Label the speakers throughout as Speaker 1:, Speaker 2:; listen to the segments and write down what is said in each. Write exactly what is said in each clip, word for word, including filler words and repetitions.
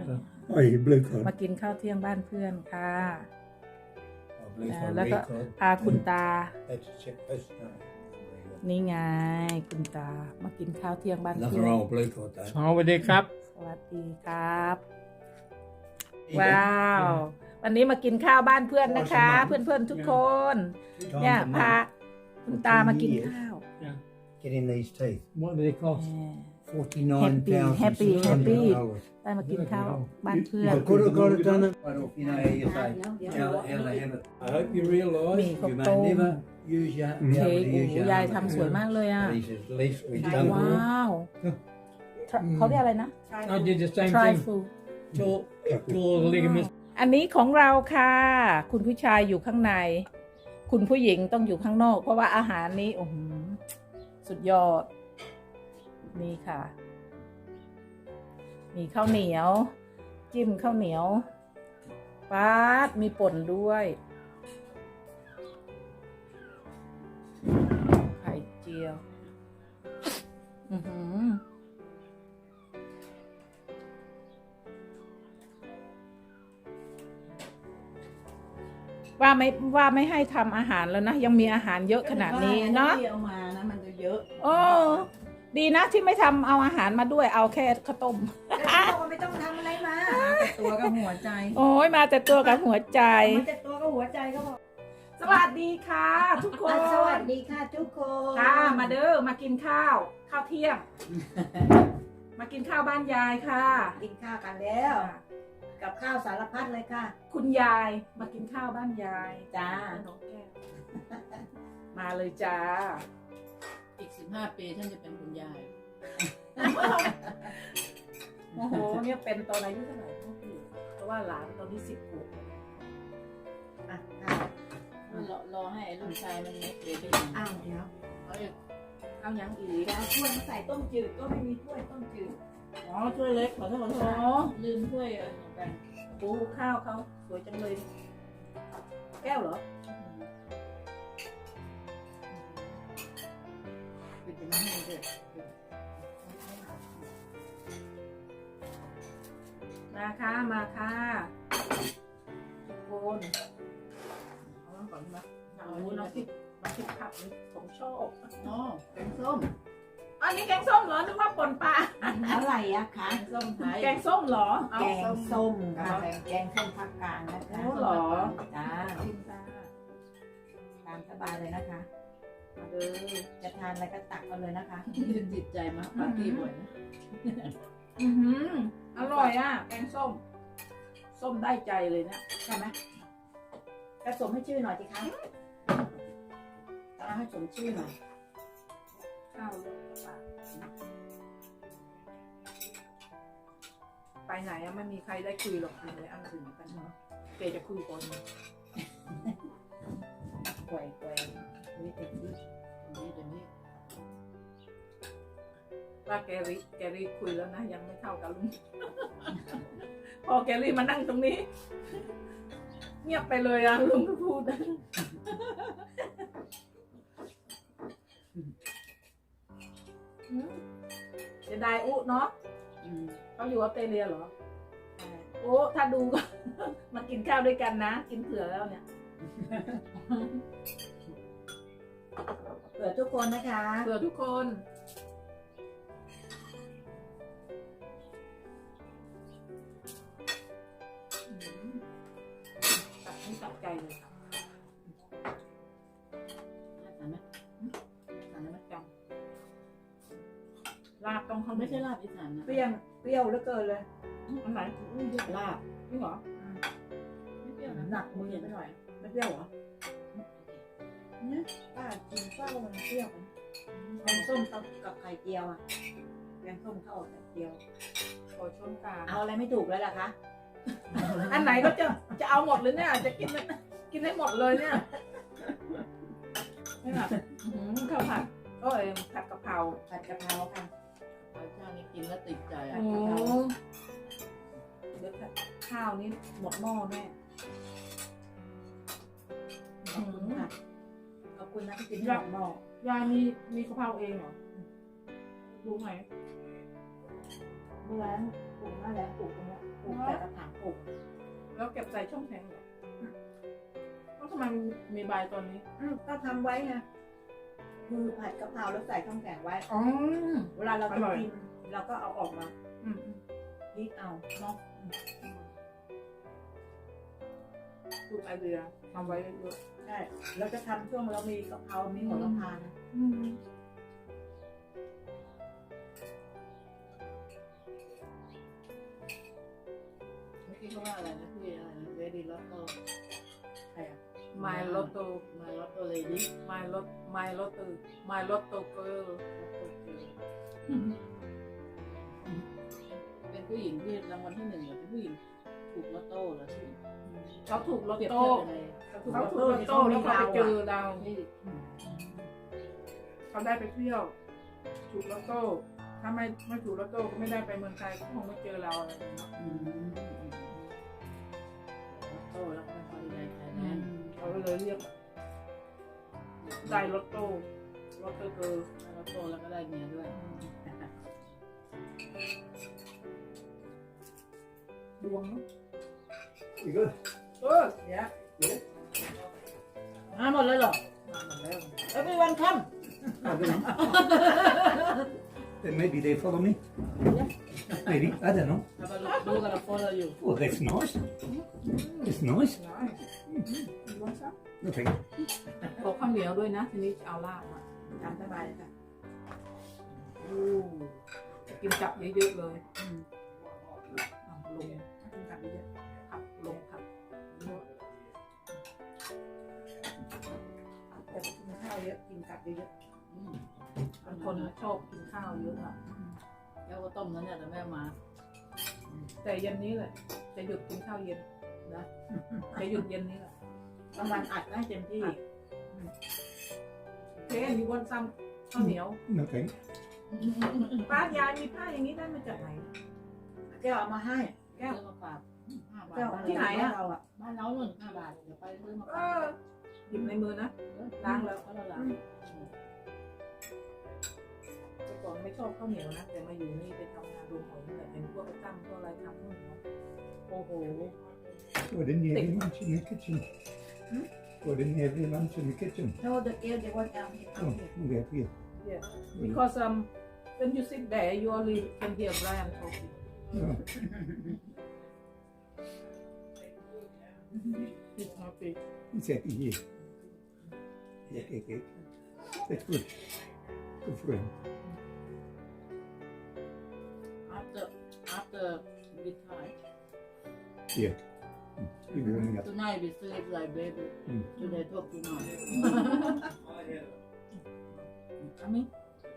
Speaker 1: Oh, you blue card.
Speaker 2: มากินข้าวเที่ยงบ้านเพื่อนค่ะ
Speaker 1: Oh, blue
Speaker 2: อ่า
Speaker 1: card,
Speaker 2: แล้วก็
Speaker 1: red card.
Speaker 2: พาคุณตา
Speaker 1: That's a chip. That's no.
Speaker 2: นี่ไงคุณตามากินข้าวเที่ยงบ้านเพื่
Speaker 1: Nothing
Speaker 2: อน
Speaker 1: wrong with blue card though.
Speaker 3: สวัสดีครับ
Speaker 2: สวัสดีครับ ว้าว วันนี้มากินข้าวบ้านเพื่อนนะคะ เพื่อนๆทุกคน
Speaker 1: Two
Speaker 2: เนี่ย
Speaker 1: times a
Speaker 2: พา
Speaker 1: month.
Speaker 2: คุณตามากินข้าว
Speaker 1: Getting these teeth.
Speaker 3: What do they cost?
Speaker 1: Forty-nine thousand
Speaker 2: Happy,
Speaker 1: six
Speaker 2: happy,
Speaker 1: hundred dollars.
Speaker 2: ได้มากินข้าวบ้านเพื่อน
Speaker 1: I could have got it done. Right off, you know how you say how, how they have it. I hope you realise
Speaker 2: มีข้าว
Speaker 1: you
Speaker 2: ต้
Speaker 1: may
Speaker 2: ม
Speaker 1: never use your, be
Speaker 2: เค้
Speaker 1: able
Speaker 2: ก
Speaker 1: to
Speaker 2: โอ้
Speaker 1: use
Speaker 2: โห
Speaker 1: your
Speaker 2: ยาย
Speaker 1: own.
Speaker 2: ทำสวยมากเลยอ่ะ
Speaker 1: At least, at least we've done
Speaker 2: ว้าว เขาเรียกอะไรนะ
Speaker 3: I did the same
Speaker 2: try
Speaker 3: thing.
Speaker 2: food
Speaker 3: Tore, tore the ligaments.
Speaker 2: อันนี้ของเราค่ะ คุณผู้ชายอยู่ข้างใน คุณผู้หญิงต้องอยู่ข้างนอก เพราะว่าอาหารนี้โอ้โหสุดยอด นี่ค่ะ มีข้าวเหนียว จิ้มข้าวเหนียวป๊าดมีป่นด้วยไข่เจียว อือหือว่าไม่ว่าไม่ให้ทำอาหารแล้วนะ ยังมีอาหารเยอะขนาดนี้เนาะ
Speaker 4: ที่เอามานะมันจะเยอะ
Speaker 2: โอ้ดีนะที่ไม่ทำเอาอาหารมาด้วยเอาแค่ข้าวต้ม
Speaker 4: แล้วเราก็ไม่ต้องทำอะไรมาแต่ตัวกับหัวใจ
Speaker 2: โอ้ยมาแต่ตัวกับหัวใจ
Speaker 4: มันจะตัวกับหัวใจก็พอ
Speaker 2: สวัสดีค่ะ ทุกคน
Speaker 4: สวัสดีค่ะทุกคน
Speaker 2: ค่ะมาเด้อมากินข้าวข้าวเที่ยง มากินข้าวบ้านยายค่ะ
Speaker 4: กินข้าวกันแล้ว กับข้าวสารพัดเลยค่ะ
Speaker 2: คุณยายมากินข้าวบ้านยาย
Speaker 4: จ้า
Speaker 2: น้องแก้วมาเลยจ้า
Speaker 5: อีกสิบห้าปีท่านจะเป็นคุณยาย
Speaker 2: โอ้โหเนี่ยเป็นตอนอายุเท่าไหร่พ่อพี่เพราะว่าหลานตอนนี้สิบขวบ
Speaker 4: อ่ะข้าว
Speaker 5: รอรอให้ลูกชายมันเล็กเลยไปอย่าง
Speaker 4: อ้าวเดี๋ยว
Speaker 5: เขาจะ
Speaker 2: เอายังอีก
Speaker 4: เดี๋ยวเอาถ้วยมาใส่ต้มจืดก็ไม่มีถ้วยต้มจืด
Speaker 2: อ๋อช่วยเล็กขอโทษขอโทษ
Speaker 5: อ๋อลืมถ้วยเออเหมือนกัน
Speaker 2: โอ้ข้าวเขาสวยจังเลย แก้วเหรอ
Speaker 5: ปิดเป็นน้ำให้ด้วย
Speaker 2: มาค่ะมาค่ะทุกคนเอาน้ำก่อนนะเอาอันนี้น้ำพริกน้ำพริกผักนี่ผมชอบ
Speaker 5: อ๋อแกงส้ม
Speaker 2: อันนี้แกงส้มเหรอนึกว่าป่นปลา
Speaker 4: อะไรอะคะ
Speaker 5: แกงส้มไทย
Speaker 2: แกงส้มเหรอเอา
Speaker 4: แกงส้มค่ะแกงส้มภาคกลางนะคะ
Speaker 2: โอ้เหรอ
Speaker 4: จ้า
Speaker 2: ชิมจ้า
Speaker 4: ตามสบายเลยนะคะ
Speaker 2: มาเลย
Speaker 4: จะทานอะไรก็ตักเอาเลยนะคะ
Speaker 5: จิตใจมากปาร์ตี้บ่อยนะ
Speaker 2: อือหืออร่อยอ่ะ แกงส้ม ส้มได้ใจเลยเนี่ย
Speaker 4: ใช่ไหมกระสมให้ชื่อหน่อยสิคะต้องให้สมชื่อหน่อย
Speaker 2: ข้าวลงกระปากไปไหนอะไม่มีใครได้คุยหรอกคุยเลยอันอื่นกันเนาะเกจะคุยก่อน
Speaker 4: แกว่งแกว่งนี่เต็มที่
Speaker 5: เดี๋ยวนี้เดี๋ยวนี้
Speaker 2: ว่าแกรี่แกรี่คุยแล้วนะ ยังไม่เท่ากับลุง พอแกรี่มานั่งตรงนี้ เงียบไปเลยอะลุงก็พูดอืมจะได้อุเนาะ
Speaker 5: อืม
Speaker 2: เขาอยู่ออสเตรเลียเหรอโอ้ถ้าดูก็ มากินข้าวด้วยกันนะ กินเผื่อแล้วเนี่ย
Speaker 4: เปิดทุกคนนะคะ
Speaker 2: เผื่อทุกคนอืมตัดนี่ตัดใจเลยค่ะ
Speaker 5: ทานไหม
Speaker 2: ทานแล้วจังลาบต้องเขา
Speaker 5: ไม่
Speaker 2: ไม่
Speaker 5: ใช่
Speaker 2: ใช่
Speaker 5: ลา
Speaker 2: ลา
Speaker 5: บบ อีสานนะ
Speaker 4: เปรี้ยวเปรี้ยวเหลือเกินเลย
Speaker 2: อันไหน
Speaker 5: ลาบ
Speaker 2: นี่เหรอ
Speaker 5: ไม่เปรี้ยวนะ
Speaker 4: หนักมือไปหน่อย ไม่เปรี้ยวเหรอเนี่ยป้ากินเปรี้ยวมันเปรี้ยวแกงส้มกับกับไข่เจียวอ่ะแกงส้มเข้ากับไข่เจียว
Speaker 2: ขอช่วงกลาง
Speaker 4: เอาอะไรไม่ถูกแล้วล่ะคะ
Speaker 2: อันไหนก็จะจะเอาหมดเลยเนี่ย จะกินมันกินให้หมดเลยเนี่ยนี่แบบอื้อหือข้าวผัดโอ้ยผัดกะเพรา
Speaker 4: ผัดกะเพราค่ะ
Speaker 5: ข้าวเจ้านี่กินแล้วติดใจ
Speaker 2: โอ้
Speaker 5: อ่ะ
Speaker 2: เดี๋ยวข้าวนี้หมดหม้อแน่
Speaker 4: ขอบคุณค่ะขอบคุณนะที่กินให้หมดหม้อย
Speaker 2: ายมีมีกะเพราเองเหรอรู้ไหม
Speaker 4: เมื่อวานปลูกมาแล้วปลูกตรงเนี้ยปลูก
Speaker 2: เก็บใส่ช่องแข็งเหรอแล้วทำไมมีใบตอนนี้
Speaker 4: อืมก็ทำไว้ไงคือผัดกะเพราแล้วใส่ช่องแข็งไว้
Speaker 2: อ๋อ
Speaker 4: เวลาเรา
Speaker 2: อ
Speaker 4: จะ
Speaker 2: ร่อย
Speaker 4: กินเราก็เอาออกมา
Speaker 2: อืม
Speaker 4: พลิกเอาเนาะ
Speaker 2: ดูไอเดียทำไว้เยอะ
Speaker 4: ใช่เราจะทำช่วงเรามีกะเพรา มีหัวกะเพรานะ
Speaker 2: ๆอืม
Speaker 5: เมื่อกี้เขาว่าอะไรนะพี่อะไรนะเรดี้ลอตโต้
Speaker 4: ใช่อะ
Speaker 2: ไมล์ลอตโต้
Speaker 5: มาลอตโต้เลดี้
Speaker 2: ไมล์ลอตไมล์ลอตโต้ไมล์ลอตโต้เกิร์ล
Speaker 5: เป็นผู้หญิงที่รางวัลที่หนึ่งเหรอเป็นผู้หญิงถูกลอตโต้เหรอที่
Speaker 2: เขาถูกลอต
Speaker 5: เปรียบ
Speaker 2: โต้
Speaker 5: เทียบยังไง
Speaker 2: เขาถูกลอตโต้แล้วเขาไปเจอเรา
Speaker 5: ที่
Speaker 2: เขาได้ไปเที่ยว ถูกลอตโต้ ถ้าไม่ไม่ถูกลอตโต้ก็ไม่ได้ไปเมืองไทยก็คงไม่เจอเราอะไรอย่างเงี้ย
Speaker 5: อืมลอตโต้แล้วก็เป็นฮอลิเดย์ไทยแลนด์
Speaker 2: เขาก็เลยเรียกได้ลอตโต้ลอตโต้เกิร์ล
Speaker 5: ลอตโต้แล้วก็ได้เมียด้วย
Speaker 2: ดวงเนอะ
Speaker 1: You good?
Speaker 2: เออเนี่ย
Speaker 5: มาหมดเลยเหรอ
Speaker 2: มาหมดแล้ว
Speaker 5: เอ้ยเป็นวันค่
Speaker 1: I don't know. Then maybe they follow me. Maybe. I don't know.
Speaker 5: ำเราไปดูกันเราโฟล์อยู่
Speaker 1: Oh, that's nice. It's nice.
Speaker 2: ได้ดวงซะ
Speaker 1: No thank you.
Speaker 2: ขอข้าวเหนียวด้วยนะ ทีนี้จะเอาลาบอ่ะ
Speaker 4: ตามสบายเลยค่ะ
Speaker 2: อู้จะกินจับเยอะๆเลยอืมเอาลง
Speaker 4: กินกับเยอะ
Speaker 2: ผักลงผัก
Speaker 4: แต่กินข้าวเยอะกินกับเยอะ
Speaker 5: อืม
Speaker 2: บางคนชอบกินข้าวเยอะอ่ะ
Speaker 5: แล้วก็ต้มนั้นเนี่ยแต่แม่มา
Speaker 2: แต่เย็นนี้แหละจะหยุดกินข้าวเย็นนะจะหยุดเย็นนี้แหละ
Speaker 4: ๆกลางวันอัดได้เต็มที่
Speaker 2: เจ๊มีวันซ้ำข้าวเหนียว
Speaker 1: No thank you.
Speaker 2: ป้ายายมีผ้าอย่างนี้ได้มาจากไหน
Speaker 4: แก้วเอามาให้
Speaker 5: แก้วมาฝากห้าบาท
Speaker 4: แก้ว
Speaker 2: ที่ไหนอะ
Speaker 4: เราอะ
Speaker 5: บ้านเราหนึ่งห้าบาทเดี๋ยวไปซื้อมา
Speaker 2: เอ
Speaker 5: ฝาก
Speaker 2: อหยิบในมือนะ ล้างแล้ว
Speaker 5: ก็ละล้าง
Speaker 2: แต่ก่อนไม่ชอบข้าวเหนียวนะ แต่มาอยู่นี่ไปทำงานโรงหอยแต่เป็นพวกตั้มพวกอะไรทำนู่นเนาะโอ้โห
Speaker 1: Why didn't you have your lunch in the kitchen?
Speaker 2: Hmm?
Speaker 1: Why didn't you have your lunch in the kitchen?
Speaker 4: โน้ตเกียวเดี๋ยววันเอาให้เอา
Speaker 1: Oh,
Speaker 4: ให้
Speaker 1: okay, here.
Speaker 2: yeah because um when you sit there you only can hear Brian talking
Speaker 1: Oh,
Speaker 2: he's happy
Speaker 1: he's happy here. Yeah, okay, okay. That's good. Good for him.
Speaker 5: after after we try
Speaker 1: Yeah. You're warming up.
Speaker 5: tonight we sleep like baby
Speaker 1: Mm.
Speaker 5: today talk too much I mean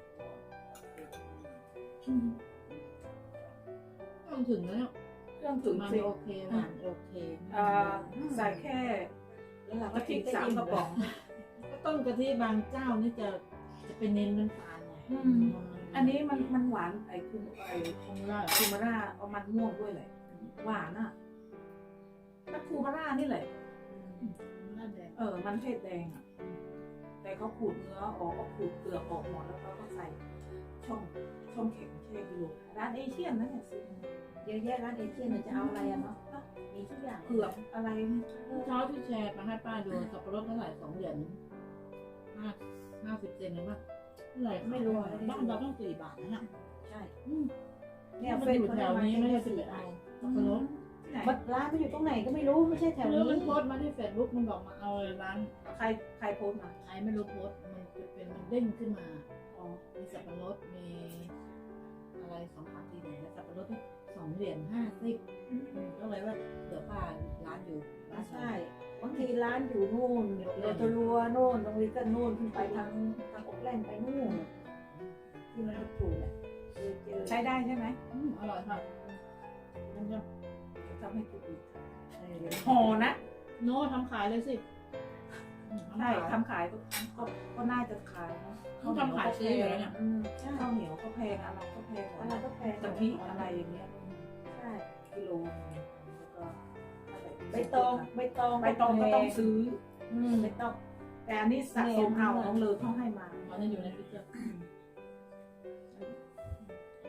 Speaker 5: ต้องถึงแล้ว
Speaker 2: เครื่องถึง
Speaker 5: มัน
Speaker 2: สิ
Speaker 5: โอเคหวานโอเค
Speaker 2: อ่าใส่แค่
Speaker 4: แล้วเรา
Speaker 2: กะ
Speaker 4: ก็
Speaker 2: ทิ
Speaker 4: ทิ้ง
Speaker 2: สามกระป๋อง
Speaker 5: ก็ต้มกะทิบางเจ้านี่จะจะเป็นเน้นน้ำตาลไง
Speaker 2: อืม อันนี้มันมันหวานไอ้คือไอ้
Speaker 5: คงได้
Speaker 2: คูมาร่าเอามันม่วงด้วยแหละหวานอ่ะถ้าคูมาร่านี่แหละ
Speaker 5: น่าแดง
Speaker 2: เออ มันเทศแดงอ่ะ แต่เขาขูดเนื้อออกเขาขูดเปลือกออกหมดแล้วเขาก็ใส่ช่องช่องแข็งแช่กิโลร้านเอเชียนนั่นแหละซื้อมา
Speaker 4: เยอะแยะร้านเอเชียนจะเอาอะไรอะเนาะมีทุกอย่าง
Speaker 2: เผือกอะไรเนี่ย
Speaker 5: เช้าที่แชร์มาให้ป้าดูสับปะรดเท่าไหร่สองเหรียญห้าห้าสิบเซนเลยมั้ยเท่าไหร่ไม่รู้อะบ้านเราต้องสี่บาทนะเนี่ย
Speaker 4: ใช่
Speaker 5: อืม
Speaker 4: เนี่
Speaker 5: เนี่ย ย
Speaker 4: เฟ
Speaker 5: มัน
Speaker 4: ซ
Speaker 5: อยู่แถวนี้ไม่ได้สิบ
Speaker 4: สี่
Speaker 5: เอ็ดเอาสับปะรด
Speaker 2: ที่ไหน
Speaker 4: มันร้านมันอยู่ตรงไหนก็ไม่รู้ไม่ใช่แถว
Speaker 5: แล้ว
Speaker 4: นี้
Speaker 5: มันโพสต์มาที่เฟซบุ๊กมันบอกมาเอาร้าน
Speaker 2: ใครใครโพสต์มา
Speaker 5: ใครไม่รู้โพสต์มันจะเป็นมันเด้งขึ้นมา
Speaker 2: อ๋อ
Speaker 5: มีสับปะรดมีอะไรสองผักดีไหนแล้วสับปะรดที่สองเหรียญห้าสิบก็เลยว่าเดี๋ยวป้าร้านอยู่ร้าน
Speaker 4: ใช่บางทีร้านอยู่นู่นโรตารัวโน่นตรงนี้ก็นู่นขึ้นไปทางทางอกแล่นไปนู่นที่มันถูกเนี่ยเจอเจอ
Speaker 2: ใช้ได้ใช่ไหม
Speaker 5: อืมอร่อยค่ะมันจะ
Speaker 2: ทำให้กินอีก
Speaker 4: เออเดี๋ยว
Speaker 2: ห่อนะ
Speaker 5: โน้ทำขายเลยสิอืม
Speaker 2: ใช่
Speaker 5: ทำขาย
Speaker 2: ทำขายก็ก็ก็น่าจะขายนะ
Speaker 5: ต้องทำขายซื้ออยู่แล้วเนี่ย
Speaker 4: อืมใช่
Speaker 2: ข้าวเหนียวก็แพงอะไรก็แพง
Speaker 4: อะไรก็แพง
Speaker 2: กะทิอะไรอย่างเงี้ย
Speaker 4: ใช่
Speaker 2: กิโลนึงแล้วก็
Speaker 4: ใบตองใบตอง
Speaker 2: ใบตองก็ต้องซื้อ
Speaker 4: อืมใบตอง
Speaker 2: แต่อันนี้สะสมเอาน้องเลอเขาให้มา
Speaker 5: มันจะอยู่ในฟิตเจอร์
Speaker 4: ตอน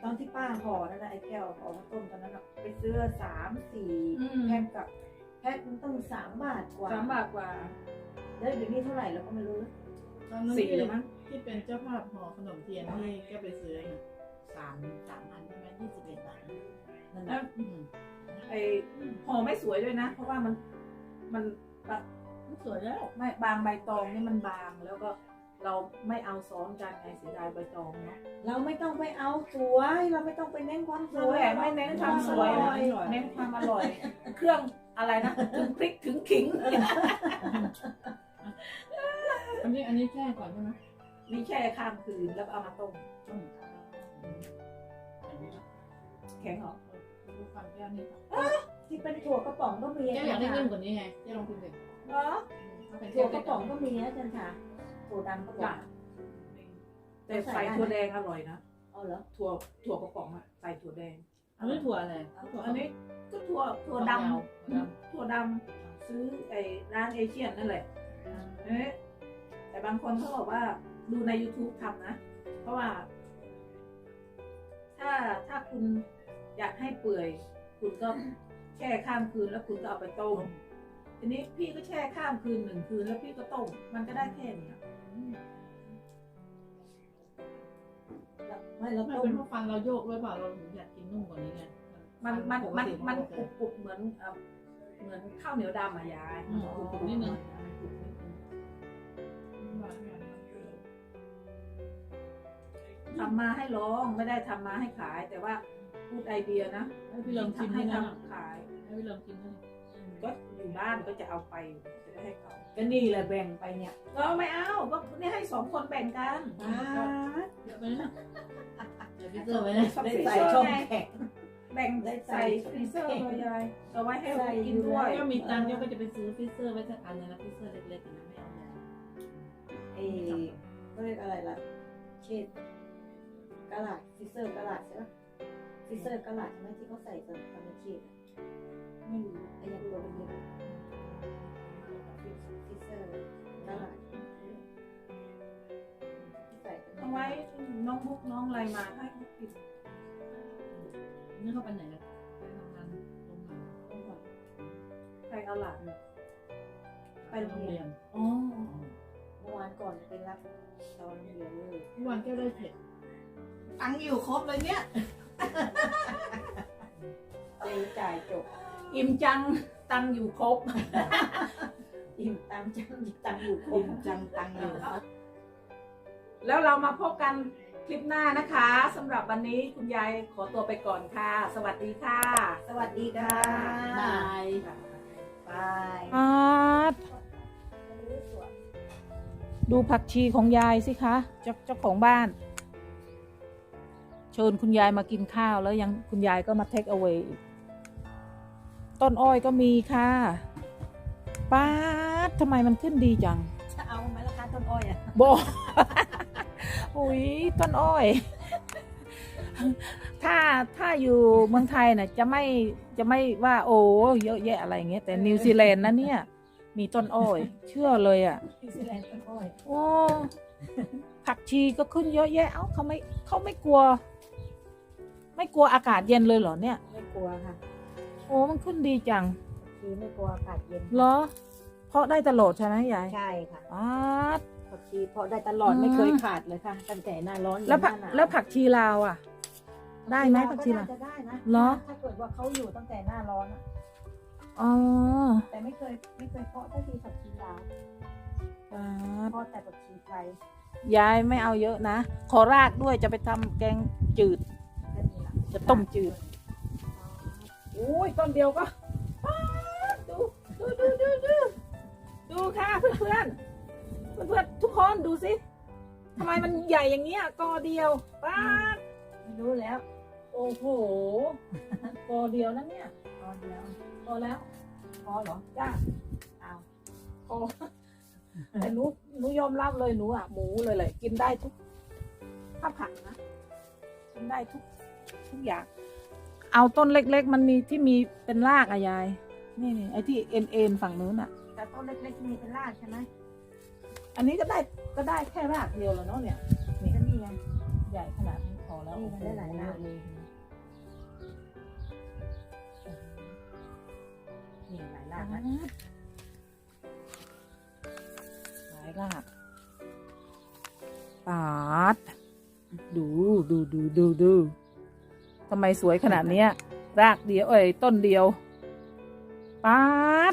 Speaker 4: อนที่ป้าห่อนั่นแหละไอ้แก้วห่อข้าวต้มตอนนั้นอะไปซื้อสามสี่
Speaker 2: อืม
Speaker 4: แพ็คกับแพ็คมันต้องสามบาทกว่า
Speaker 2: สามบาทกว่า
Speaker 4: แล้วเดี๋ยวนี้เท่าไหร่เราก็ไม่รู้
Speaker 5: ตอนนั้น
Speaker 2: สี่
Speaker 5: ที่
Speaker 2: แล้วมั้ง
Speaker 5: ที่เป็นเจ้าภาพห่อขนมเทียนที่แกไปซื้อน่ะสามสามพันใช่ไหมยี่สิบเอ็ดบาทนั่น
Speaker 2: แล้
Speaker 5: นะ
Speaker 2: ว
Speaker 5: อืม
Speaker 2: ไอห่อไม่สวยด้วยนะ เพราะว่ามันมันแบบ
Speaker 5: สวยแล้ว
Speaker 2: ไม่บางใบตองนี่มันบางแล้วก็เราไม่เอาซ้อนกันไงเสียดายใบตองเนาะ
Speaker 4: เราไม่ต้องไปเอาสวยเราไม่ต้องไปเน้นความส
Speaker 2: ส
Speaker 4: ว
Speaker 2: วย ยไม่เน้นความสวย
Speaker 4: อร่อย
Speaker 2: เน้นความอร่อย เครื่องอะไรนะถึงพริกถึงขิง
Speaker 5: อันนี้อันนี้แช่ก่อนใช่ไหม
Speaker 2: นี่แช่ข้ามคืนแล้วก็เอามาต้ม
Speaker 5: ต้มอย่างนี้นะ
Speaker 2: แข็งเหรอ
Speaker 5: ดูฟังแก้วนี่ค่ะ
Speaker 4: ที่เป็นถั่วกระป๋องก็มี
Speaker 5: แก้วอยากได้นิ่มกว่านี้ไงแก้วลองกินเด็ก
Speaker 2: เหรอ
Speaker 5: ถ้าเป็น
Speaker 4: ถั่
Speaker 5: แก้
Speaker 4: ว
Speaker 5: ว
Speaker 4: กระป๋องก็มีนะจันทาถั่วดำกระป๋อง
Speaker 2: แต่ใส่ถั่วแดงอร่อยนะ
Speaker 4: เอาเหรอ
Speaker 2: ถั่วถั่วกระป๋องอะใส่ถั่วแดง
Speaker 5: อันนี้ถั่วอะไร
Speaker 2: อันนี้ก็ถั่วถั่วด
Speaker 5: ถั่ว
Speaker 2: ำถั่วดำซื้อไอ้ร้านเอเชียนนั่นแหละเอ๊ะแต่บางคนเขาบอกว่าดูใน YouTube ทำนะ เพราะว่า ถ้าถ้าคุณอยากให้เปื่อย คุณก็แช่ข้ามคืนแล้วคุณก็เอาไปต้มทีนี้พี่ก็แช่ข้ามคืนหนึ่งคืนแล้วพี่ก็ต้มมันก็ได้แค่เนี้ย
Speaker 4: ไม่เรา
Speaker 5: ไม่
Speaker 4: ต้ม
Speaker 5: เป็นเพราะฟังเราโยกด้วยเปล่าเราถึงอยากกินนุ่มกว่านี้ไง
Speaker 2: มันมันมันมัน
Speaker 5: ป
Speaker 2: กรุ
Speaker 5: ก
Speaker 2: บกรุบเหมือนเอ่อเหมือนข้าวเหนียวดำอะยาย
Speaker 5: อืมกรุบกรุบนิดนึง
Speaker 2: มันกรุบนิดนึงทำมาให้ร้องไม่ได้ทำมาให้ขาย แต่ว่าพูดไอเดียนะ
Speaker 5: ให้พี่ลองกิน
Speaker 2: ให้
Speaker 5: ให้นะ
Speaker 2: ทำขาย
Speaker 5: ให้พี่ลองกินให้
Speaker 2: ก็อยู่บ้านก็จะเอาไปจะได้ให้เขา
Speaker 4: ก็นี่แหละแบ่งไปเนี่ย
Speaker 2: ก็ไม่เอาก็นี่ให้สองคนแบ่งกัน
Speaker 4: อ่า
Speaker 5: เยอะไปนะเดี๋ยวพี่เจอไว้นะ
Speaker 4: ได้ใส่ช่องแข็ง
Speaker 2: แบ่งใส่ฟรีเซอร์เลยยายเอาไว้ให้เรากินด้วย
Speaker 5: ก็มีตังค์ก็จะไปซื้อฟิเซอร์ไว้สักอันนึงนะฟิเซอร์เล็กๆนะไม่เอาใหญ่
Speaker 4: เอก็เรียกอะไรล่ะเชดกะหลาดฟิเซอร์กะหลาดใช่ไหมฟิเซอร์กะหลาดใช่ไหมที่เขาใส่ตอนตอนเป็นเชดไม่รู้ไอ้ยังตัวเป็นเยอะฟิเซอร์กะหลาดที่ใส่ตอน
Speaker 2: เอาไว้น้องบุ๊กน้องอะไรมาให้เขากิน
Speaker 5: นี่เขาไปไหนกันไปทำงานโรงงาน
Speaker 2: ใครเอาหลานเนี่ย
Speaker 5: ไปโรงเรียน
Speaker 4: อ๋อเมื่อวานก่อนไปรับตอนโรงเรียนเลย
Speaker 5: ทุกวันแก้วได้เผ็ด
Speaker 4: ตังค์อยู่ครบเลยเนี่ยเจ๊จ่ายจบ
Speaker 2: อิ่มจังตังอยู่ครบ
Speaker 4: อิ่มตังค์จังตังค์อยู่ครบ
Speaker 5: อิ่มจังตังอยู่
Speaker 2: แล้วเรามาพบกันคลิปหน้านะคะสำหรับวันนี้คุณยายขอตัวไปก่อนค่ะ สวัสดีค่ะ
Speaker 4: สวัสดีค่ะ
Speaker 5: บาย
Speaker 4: บาย
Speaker 2: อาดดูผักชีของยายสิคะเจ้าเจ้าของบ้าน เชิญคุณยายมากินข้าวแล้วยังคุณยายก็มาเทคเอาไว้ต้นอ้อยก็มีค่ะป้าดทำไมมันขึ้นดีจัง
Speaker 4: จะเอาไหมล่ะคะต้นอ้อยอ่ะ
Speaker 2: บอก อุ้ยต้นอ้อย ถ้าถ้าอยู่เมืองไทยน่ะจะไม่จะไม่ว่าโอ้เยอะแยะอะไรอย่างเงี้ยแต่นิวซีแลนด์นะเนี่ย มีต้นอ้อย เชื่อเลยอ่ะ
Speaker 4: นิวซีแลนด์ต้นอ้อย
Speaker 2: โอ้ผักชีก็ขึ้นเยอะแยะเอ้าเขาไม่เขาไม่กลัว ไม่กลัวอากาศเย็นเลยเหรอเนี่ย
Speaker 4: ไม่กลัวค่ะ
Speaker 2: โอ้มันขึ้นดีจัง
Speaker 4: คือไม่กลัวอากาศเย็น
Speaker 2: เหรอ เพราะได้ตลอดใช่ไหมยาย
Speaker 4: ใช่ค่ะ
Speaker 2: อ้าด
Speaker 4: ผักชีเพราะได้ตลอด
Speaker 2: อืม
Speaker 4: ไม่เคยขาดเลยค่ะตั้งแต่หน้าร้อน
Speaker 2: แล้วผัก
Speaker 4: ยันหน้าหนาว
Speaker 2: แล้วผักชีลาวอ่ะ ได้ไหมผักชีลาว
Speaker 4: ก็น่าจะได้นะ
Speaker 2: เหรอ
Speaker 4: ถ้าเกิดว่าเขาอยู่ตั้งแต่หน้าร้อนอะ
Speaker 2: อ๋อ
Speaker 4: แต่ไม่เคยไม่เคยเพาะสักทีผักชีลาว
Speaker 2: อ่า
Speaker 4: เพาะแต่ผักชีไทย
Speaker 2: ยายไม่เอาเยอะนะ ขอรากด้วยจะไปทำแกงจืด
Speaker 4: แค่นี้ละ
Speaker 2: จะต้มจืด โอ้ยต้นเดียวก็ป๊าดดูดูดูดูดูดูค่ะเพื่อนเพื่อนเพื่อนเพื่อนๆทุกคนดูสิทำไมมันใหญ่อย่างเงี้ยกอเดียวป้าด
Speaker 4: ไม่รู้แล้ว
Speaker 2: โอ้โหกอเดียวนะเนี่ย
Speaker 4: ตอนเดียว
Speaker 2: พอแล้ว
Speaker 4: พอเหรอ
Speaker 2: จ้า
Speaker 4: เอา
Speaker 2: พอแต่หนูหนูยอมรับเลยหนูอ่ะหมูเลยเลยกินได้ทุกถ้าผักนะกินได้ทุกทุกอย่าง เอาต้นเล็กๆ มันมีที่มีเป็นรากอะยายนี่นี่ไอ้ที่เอ็นเอ็นฝั่งนู้นอ่ะ
Speaker 4: แต่ต้นเล็กๆที่มีเป็นรากใช่ไหม
Speaker 2: อันนี้ก็ได้ก็ได้แค่รากเดียวแล้วเนาะเนี่ย
Speaker 4: ก็นี่ไง
Speaker 2: ใหญ่ขนาดนี้
Speaker 4: เ
Speaker 2: อแล้ว
Speaker 4: นี่มันได้หลายราก
Speaker 2: เลยนี่หลายรากนะหลายรากปาดดูดูดูดูดูทำไมสวยขนาดเนี้ย รากเดียวเอ้ยต้นเดียวปาด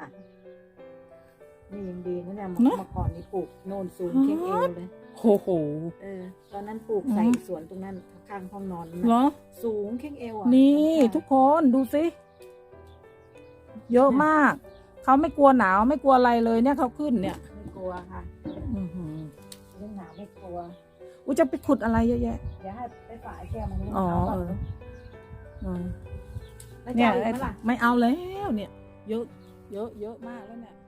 Speaker 4: นี่ยังดีนะเนี่ย
Speaker 2: เน
Speaker 4: เมื่
Speaker 2: อะ
Speaker 4: อก่อนนี่ปลูกโนนสูงเคียงเอวเลย
Speaker 2: โอ้โห
Speaker 4: เออ ตอนนั้นปลูกใส่สวนตรงนั้นข้างห้องนอน
Speaker 2: เหรอ
Speaker 4: สูงเคียงเอวอ่ะ
Speaker 2: นี่ทุกคนดูสิ เยอะมาก เขาไม่กลัวหนาวไม่กลัวอะไรเลยเนี่ยเขาขึ้นเนี่ย
Speaker 4: ไม่กลัวค่ะ
Speaker 2: อือหือ
Speaker 4: เรื่องหนาวไม่กลัว
Speaker 2: อุ้ยจะไปขุดอะไรเยอะแยะ
Speaker 4: เดี๋ยวให้ไปฝ่ายแก้วมันรู้
Speaker 2: อ๋อ
Speaker 4: เอา
Speaker 2: เอ
Speaker 4: ก่อน
Speaker 2: อเออ
Speaker 4: แล้ว
Speaker 2: เนี่
Speaker 4: จะ
Speaker 2: ย
Speaker 4: เอาอีกไหมล่ะ
Speaker 2: ไม่เอาแล้วเนี่ย เยอะ เยอะเยอะมากแล้วเนี่ย